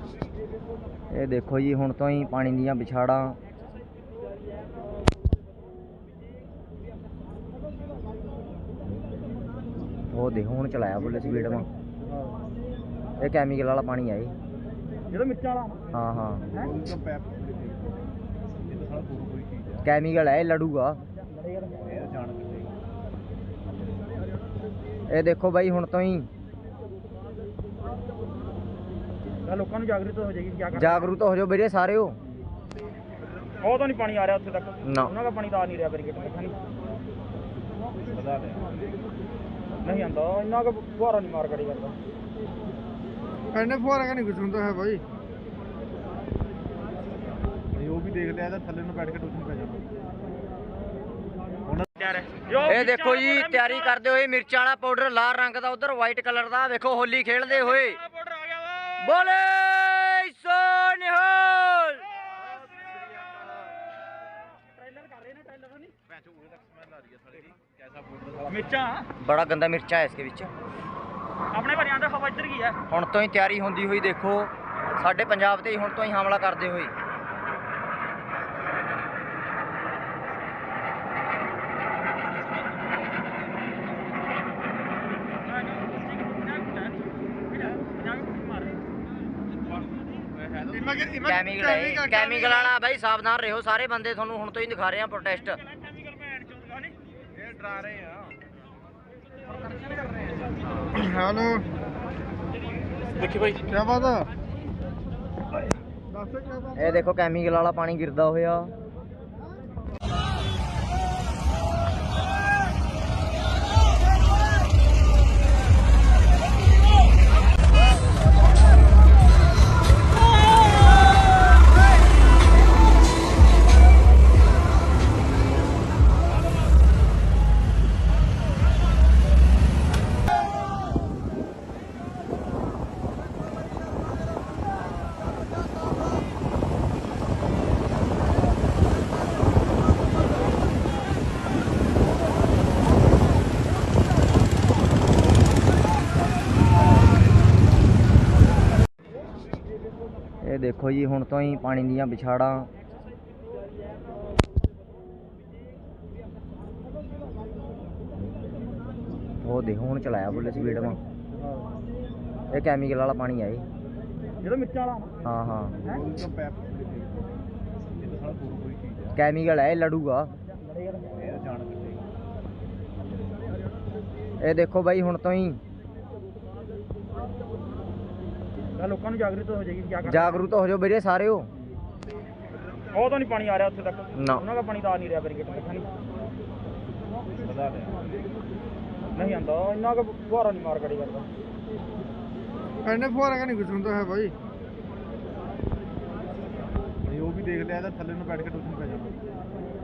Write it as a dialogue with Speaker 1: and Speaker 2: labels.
Speaker 1: ਇਹ ਦੇਖੋ ਜੀ ਹੁਣ ਤੋਂ ਹੀ ਪਾਣੀ ਦੀਆਂ ਵਿਛਾੜਾਂ ਉਹ ਦੇਖੋ ਹੁਣ ਚਲਾਇਆ ਫੁੱਲ ਸਪੀਡ ਮਾ। ਇਹ ਕੈਮੀਕਲ ਵਾਲਾ ਪਾਣੀ ਹੈ
Speaker 2: ਜਿਹੜਾ ਮਿਰਚਾਂ ਵਾਲਾ।
Speaker 1: ਹਾਂ ਹਾਂ ਕੈਮੀਕਲ ਹੈ, ਇਹ ਲੜੂਗਾ। ਇਹ ਦੇਖੋ ਬਾਈ ਹੁਣ ਤੋਂ ਹੀ
Speaker 2: ਲੋਕਾਂ ਨੂੰ ਜਾਗਰੂਕ ਹੋ ਜਾਏਗੀ।
Speaker 1: ਜਾਗਰੂਕ ਹੋ ਜਾਓ ਵੀਰੇ ਸਾਰੇ ਹੋ।
Speaker 2: ਉਹ ਤਾਂ ਨਹੀਂ ਪਾਣੀ ਆ ਰਿਹਾ ਉੱਥੇ ਤੱਕ
Speaker 1: ਨਾ,
Speaker 2: ਉਹਨਾਂ ਦਾ ਪਾਣੀ ਤਾਂ ਆ ਨਹੀਂ ਰਿਹਾ ਬੈਰੀਕੇਡ ਦੇਖਾਂ ਨਹੀਂ नहीं आता इन्ना का फुहारा नहीं मार करी करता
Speaker 3: इन्ने फुहारा का नहीं कुछ होता है भाई
Speaker 2: वो भी देख लिया था थल्ले में बैठ के टूटने पे जाना।
Speaker 1: ਇਹ ਦੇਖੋ ਜੀ ਤਿਆਰੀ ਕਰਦੇ ਹੋਏ ਮਿਰਚਾਂ ਵਾਲਾ ਪਾਊਡਰ ਲਾਲ ਰੰਗ ਦਾ, ਉਧਰ ਵਾਈਟ ਕਲਰ ਦਾ। ਵੇਖੋ ਹੋਲੀ ਖੇਡਦੇ ਹੋਏ ਬੋਲੇ ਸੋ ਨਿਹਾਲ। बड़ा गंदा मिर्चा है इसके विच।
Speaker 2: अपने भरियां दा हवा इधर की है।
Speaker 1: हुण तो ही तैयारी होंदी हुई देखो साडे पंजाब ते हुण तो ही हमला करदे होए। कैमिकल वाला भाई सावधान रहो सारे बंदे। तुहानू हुण तो ही दिखा रहे हैं प्रोटेस्ट।
Speaker 3: हेलो
Speaker 2: देखिए भाई
Speaker 3: क्या बात है।
Speaker 1: ये देखो कैमिकल वाला पानी गिरदा होया। ਇਹ ਦੇਖੋ ਜੀ ਹੁਣ ਤੋਂ ਹੀ ਪਾਣੀ ਦੀਆਂ ਵਿਛਾੜਾਂ ਉਹ ਦੇਖੋ ਹੁਣ ਚਲਾਇਆ ਫੁੱਲ ਸਪੀਡ ਮਾ। ਇਹ ਕੈਮੀਕਲ ਵਾਲਾ ਪਾਣੀ ਹੈ
Speaker 2: ਜਿਹੜਾ ਮਿਰਚਾਂ ਵਾਲਾ।
Speaker 1: ਹਾਂ ਹਾਂ ਕੈਮੀਕਲ ਹੈ, ਇਹ ਲੜੂਗਾ। ਇਹ ਦੇਖੋ ਬਾਈ ਹੁਣ ਤੋਂ ਹੀ
Speaker 2: ਲੋਕਾਂ ਨੂੰ ਜਾਗਰੂਕ ਹੋ ਜਾਏਗੀ।
Speaker 1: ਜਾਗਰੂਕ ਹੋ ਜਾਓ ਵੀਰੇ ਸਾਰੇ ਹੋ।
Speaker 2: ਉਹ ਤਾਂ ਨਹੀਂ ਪਾਣੀ ਆ ਰਿਹਾ ਉੱਥੇ ਤੱਕ
Speaker 1: ਨਾ,
Speaker 2: ਉਹਨਾਂ ਦਾ ਪਾਣੀ ਤਾਂ ਆ ਨਹੀਂ ਰਿਹਾ ਬੈਰੀਕੇਡ ਦੇਖਾਂ नहीं आता इन्ना का फुहारा नहीं मार करी करता
Speaker 3: इन्ने फुहारा का नहीं कुछ होता है भाई
Speaker 2: वो भी देख लिया था थल्ले में बैठ के टूटने पे जाना।